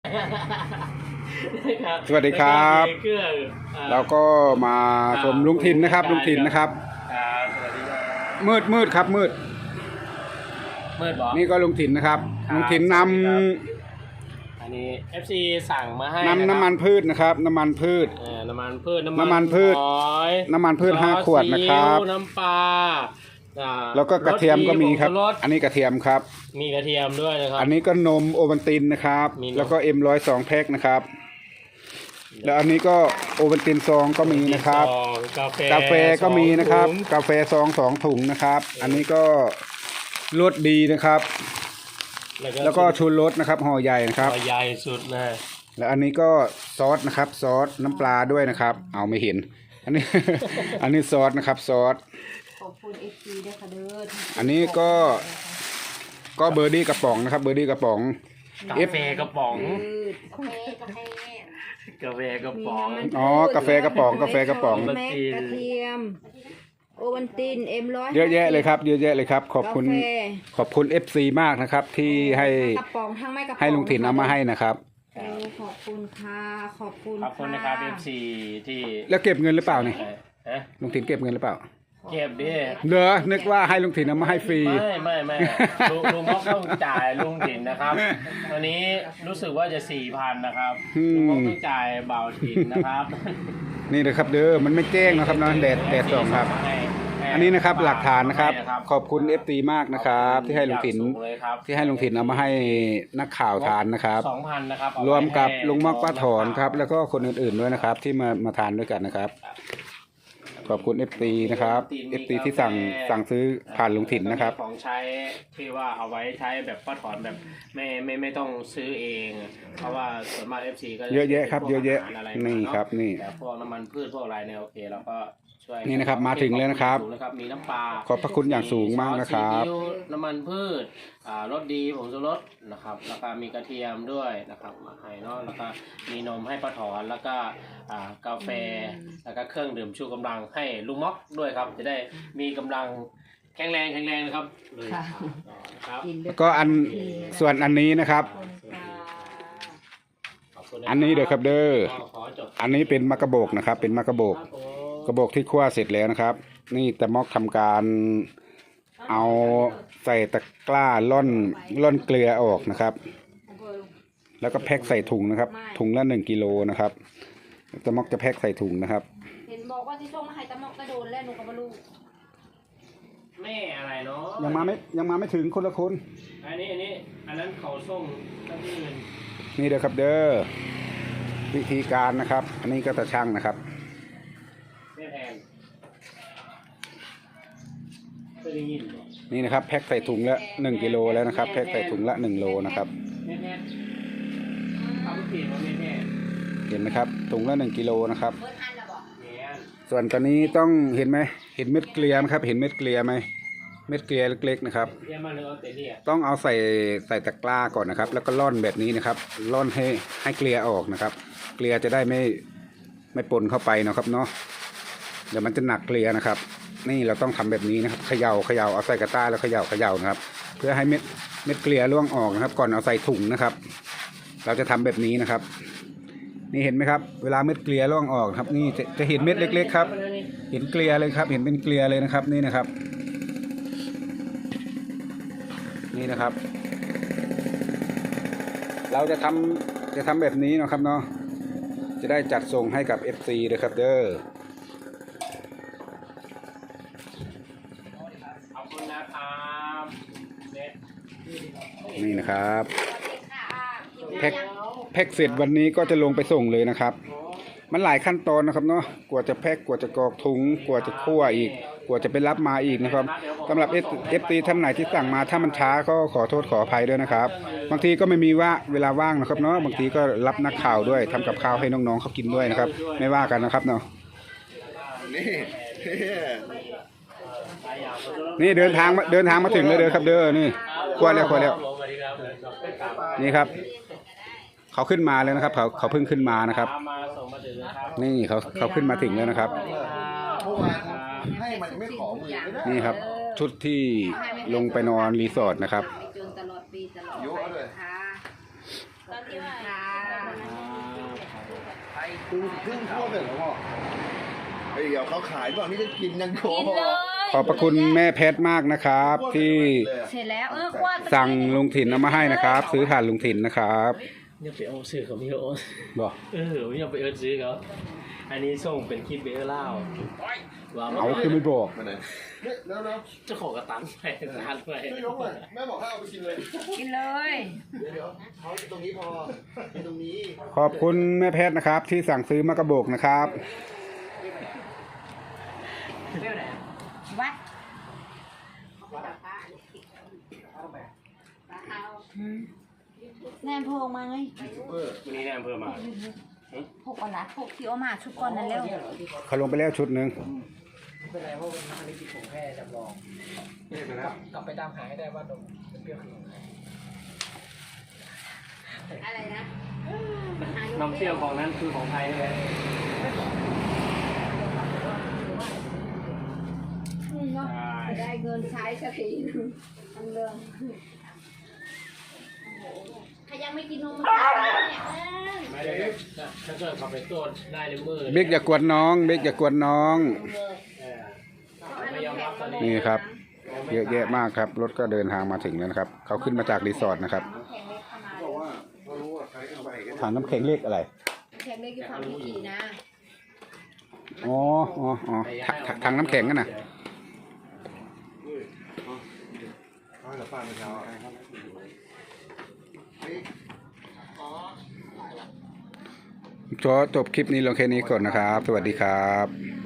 สวัสดีครับเราก็มาชมลุงถิ่นนะครับลุงถิ่นนะครับสวัสดีครับมืดครับมืดบอกนี่ก็ลุงถิ่นนะครับลุงถิ่นนำอันนี้ FC สั่งมาให้น้ำมันพืชนะครับน้ำมันพืชน้ำมันพืชน้ำมันพืช5 ขวดนะครับน้ำปลาแล้วก็กระเทียมก็มีครับอันนี้กระเทียมครับมีกระเทียมด้วยนะครับอันนี้ก็นมโอวัลตินนะครับแล้วก็M102แพ็คนะครับแล้วอันนี้ก็โอวัลตินซองก็มีนะครับกาแฟก็มีนะครับกาแฟซอง2 ถุงนะครับอันนี้ก็รสดีนะครับแล้วก็ชูรสนะครับห่อใหญ่นะครับห่อใหญ่สุดเลยแล้วอันนี้ก็ซอสนะครับซอสน้ำปลาด้วยนะครับเอาไม่เห็นอันนี้ซอสนะครับซอสขอบคุณ FC ด้วยค่ะเด้ออันนี้ก็เบอร์ดี้กระป๋องนะครับเบอร์ดี้กระป๋องกาแฟกระป๋องกาแฟกระป๋องอ๋อกาแฟกระป๋องแม็กกระเทียมโอวัลตินM100 เยอะแยะเลยครับเยอะแยะเลยครับขอบคุณ FC มากนะครับที่ให้ลุงถิ่นเอามาให้นะครับขอบคุณค่ะขอบคุณนะครับ FC ที่แล้วเก็บเงินหรือเปล่านี่ลุงถิ่นเก็บเงินหรือเปล่าเก็บดิเด้อนึกว่าให้ลุงถิ่นเอามาให้ฟรีไม่ลุงม็อกต้องจ่ายลุงถิ่นนะครับวันนี้รู้สึกว่าจะ 4,000 นะครับลุงม็อกต้องจ่ายเบาถิ่นนะครับนี่นะครับเด้อมันไม่แจ้งนะครับนะแดดส่องครับอันนี้นะครับหลักฐานนะครับขอบคุณ FT มากนะครับที่ให้ลุงถิ่นเอามาให้นักข่าวทานนะครับ 2,000 นะครับรวมกับลุงม็อกป้าถอนครับแล้วก็คนอื่นๆด้วยนะครับที่มาทานด้วยกันนะครับขอบคุณ FT นะครับ FT ที่สั่งซื้อผ่านลุงถิ่นนะครับของใช้ที่ว่าเอาไว้ใช้แบบป้าถอนแบบไม่ต้องซื้อเองเพราะว่าส่วนมาก FC ก็เยอะแยะครับเยอะแยะนี่ครับนี่แต่พวกน้ำมันพืชพวกอะไรเนี่ยโอเคเราก็นี่นะครับมาถึงแล้วนะครับมีน้ำปลาขอบพระคุณอย่างสูงมากนะครับน้ำมันพืชรสดีผงชูรสนะครับแล้วก็มีกระเทียมด้วยนะครับมาให้เนาะแล้วก็มีนมให้ป้าถอนแล้วก็กาแฟแล้วก็เครื่องดื่มชูกำลังให้ลุงม็อกด้วยครับจะได้มีกำลังแข็งแรงนะครับเลยครับก็ส่วนอันนี้นะครับอันนี้เด้อครับเด้ออันนี้เป็นมะกระบอกนะครับเป็นมะกระบอกที่คั่วเสร็จแล้วนะครับนี่แต่ม็อกทำการเอาใส่ตะกร้าล่อนเกลือออกนะครับแล้วก็แพ็คใส่ถุงนะครับถุงละ1 กิโลนะครับแต่ม็อกจะแพ็คใส่ถุงนะครับเห็นบอกว่าที่ส่งมาให้ตะม็อกกระโดดแล้วหนูก็ไม่รู้แม่อะไรเนาะยังมาไม่ถึงคนละคนอันนั้นเขาส่งที่อื่นนี่เด้อครับเด้อวิธีการนะครับอันนี้ก็ตะช่างนะครับนี่นะครับแพ็คใส่ถุงละ1 กิโลแล้วนะครับแพ็คใส่ถุงละ1 โลนะครับเห็นไหมครับถุงละ1 กิโลนะครับส่วนตอนนี้ต้องเห็นไหมเห็นเม็ดเกลือไหมครับเห็นเม็ดเกลือไหมเม็ดเกลือเล็กๆนะครับต้องเอาใส่ตะกร้าก่อนนะครับแล้วก็ร่อนแบบนี้นะครับร่อนให้เกลือออกนะครับเกลือจะได้ไม่ปนเข้าไปนะครับเนาะเดี๋ยวมันจะหนักเกลือนะครับนี่เราต้องทำแบบนี้นะครับเขย่าเอาใส่กระต้าแล้วเขย่านะครับเพื่อให้เม็ดเกลือร่วงออกนะครับก่อนเอาใส่ถุงนะครับเราจะทำแบบนี้นะครับนี่เห็นไหมครับเวลาเม็ดเกลือร่วงออกครับนี่จะเห็นเม็ดเล็กๆครับเห็นเกลือเลยครับเห็นเป็นเกลือเลยนะครับนี่นะครับนี่นะครับเราจะทำแบบนี้นะครับเนาะจะได้จัดส่งให้กับ FC เลยครับเด้อนี่นะครับแพ็คเสร็จวันนี้ก็จะลงไปส่งเลยนะครับมันหลายขั้นตอนนะครับเนาะกว่าจะแพ็คกว่าจะกรอกถุงกว่าจะคั่วอีกกว่าจะไปรับมาอีกนะครับสำหรับ FT ท่านไหนที่สั่งมาถ้ามันช้าก็ขอโทษขออภัยด้วยนะครับบางทีก็ไม่มีเวลาว่างนะครับเนาะบางทีก็รับนักข่าวด้วยทำกับข้าวให้น้องๆเขากินด้วยนะครับไม่ว่ากันนะครับเนาะนี่เดินทางมาถึงเลยเด้อครับเด้อนี่คั่วแล้วนี่ครับเขาขึ้นมาแล้วนะครับเขาเพิ่งขึ้นมานะครับนี่เขาขึ้นมาถึงแล้วนะครับนี่ครับชุดที่ลงไปนอนรีสอร์ทนะครับครึ่งทั่วเลยเหรอพ่อเดี๋ยวเขาขายก่อนที่จะกินยังโคกินเลยขอบพระคุณแม่แพทมากนะครับ ที่เสร็จแล้วคว้าสั่งลุงถิ่นเอามาให้นะครับ ซื้อผ่านลุงถิ่นนะครับยังไปเอาซื้อเขาไม่เอาบอกยังไปเอิร์ธซื้อเขาอันนี้ส่งเป็นคลิปเบลเล่าว่าเอาคือไม่บอกมาไหนแล้วเจ้าของกระตันไปทานไปช่วยยกหน่อยแม่บอกให้เอาไปกินเลยกินเลยเดี๋ยวเขาตรงนี้พอตรงนี้ขอบคุณแม่แพทนะครับ ที่สั่งซื้อมากระบอกนะครับวัดแนมโพงมาไงวันนี้แนมเพิ่มมาพกก่อนนะพกที่เอามาชุดก่อนนั่นเร็วเขาลงไปแล้วชุดหนึ่งไม่เป็นไรเพราะวันนี้มันมีผงแค่จำลองกลับไปตามหาให้ได้ว่านมเป็นเปรี้ยวคืออะไรนะน้ำเปรี้ยวของนั้นคือของไทยเลยเนาะได้เงินใช้สักทีทั้งเรื่องใครยังไม่กินนมมาเนี่ยไม่ได้ถ้าเกิดเขาไปตรวจได้ในมือเบกอย่ากวนน้องเบกอย่ากวนน้องไม่ยอมรับตอนนี้นี่ครับ เยอะแยะมากครับ รถก็เดินทางมาถึงแล้วนะครับ เขาขึ้นมาจากรีสอร์ทนะครับแข็งเล็กเข้ามาบอกว่าเขารู้ว่าใครเอาไปกันถังน้ำแข็งเล็กอะไรแข็งเล็กอยู่ฝั่งพิธีนะอ๋อถังน้ำแข็งกันนะเขาจะฟังเช้าขอจบคลิปนี้ลงแค่นี้ก่อนนะครับ สวัสดีครับ